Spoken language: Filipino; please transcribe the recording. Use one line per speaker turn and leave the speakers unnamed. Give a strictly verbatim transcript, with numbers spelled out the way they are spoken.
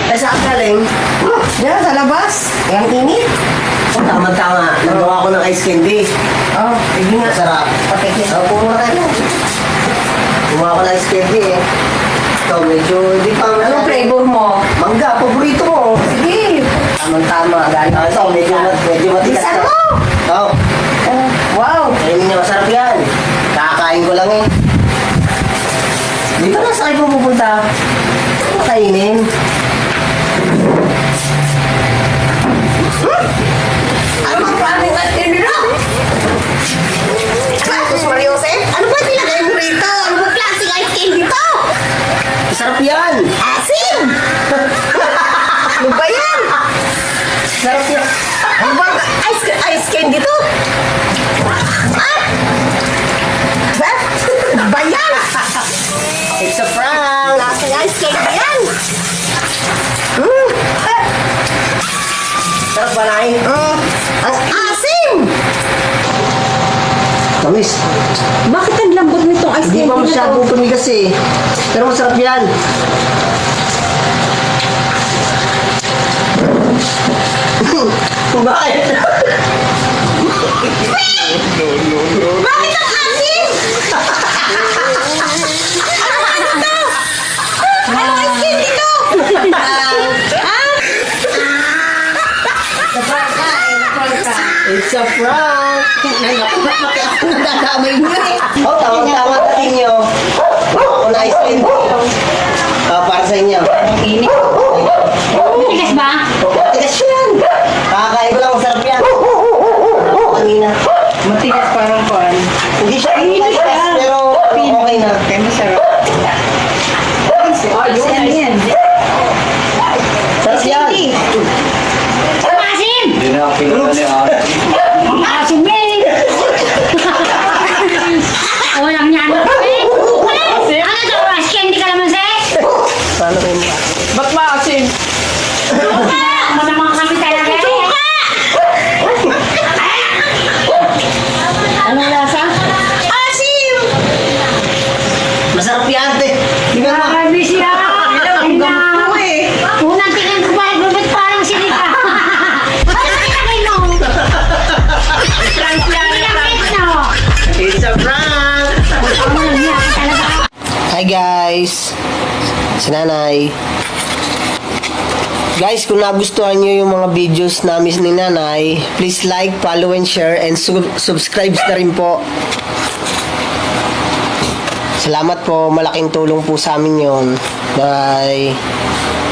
Ay, saan galing?
Diyan, sa labas. Ang init.
Oh, tama-tama. Nagawa ko ng ice candy.
Oh, hindi nga.
Masarap.
Patikis.
Oh, pumura ka na. Gumawa ko ng ice candy eh. Ito, medyo hindi pa...
Anong flavor mo?
Mangga, paborito mo.
Sige. Tamang-tama. Galing
Ah, ito, medyo, mat- medyo matigas.
Isa mo!
Oo.
Oh, wow.
Kainin niya, masarap yan. Kakain ko lang eh. Dito na sa kayo pupunta. Kainin.
Ano ang planning natin nila? Jesus Maria Jose? Ano ba nilagay mo rito? Ano ba klaseng ice candy to?
Masarap yan.
Asim! Ano ba yan?
Masarap yan.
Ano ba ice, ice candy to? Ah! Ba? Ano ba yan?
It's a prank.
Klaseng ice candy yan? Hmm. Ah.
Sarap ba, Nay?
Hmm. Ang asim!
Tamis.
Bakit ang lambot nitong ice
Hindi
candy
pa
na to?
masyadong tumigas eh. Pero masarap yan. Bakit?
Bakit ang asim? Ano ice candy to?
It's a prank.
Nadamay mo eh.
Oh, tama-tama dating nyo. Ako na ice cream. Ah, para sa inyo.
Init. Matigas ba?
Tigas yan. Kakakain ko lang, masarap yan. Kanina.
Matigas parang pan.
Hindi siya tigas, pero okay na.
Kaya masarap.
Oh,
Ano yan?
sarap yan.
Ang asim!
Hindi na ako pinunta ni Ate.
Ang asim eh! Walang yan. Eh! Ano to? Ice candy ka naman, Sek?
Paano kayo mga?
Ba't maasim?
Masamang kami talaga eh. Anong lasa?
Asim!
Masarap yan, te. Tingnan mo.
Grabe siya. Ay na. Unang tingin ko pa, bubit parang sinika. Nakakitagay mo. Pinakit no.
It's a prank.
Ano niya talaga.
Hi guys. Si Nanay. Guys, kung nagustuhan nyo yung mga videos namin ni Nanay, please like, follow, and share, and sub- subscribe na rin po. Salamat po. Malaking tulong po sa amin yun. Bye.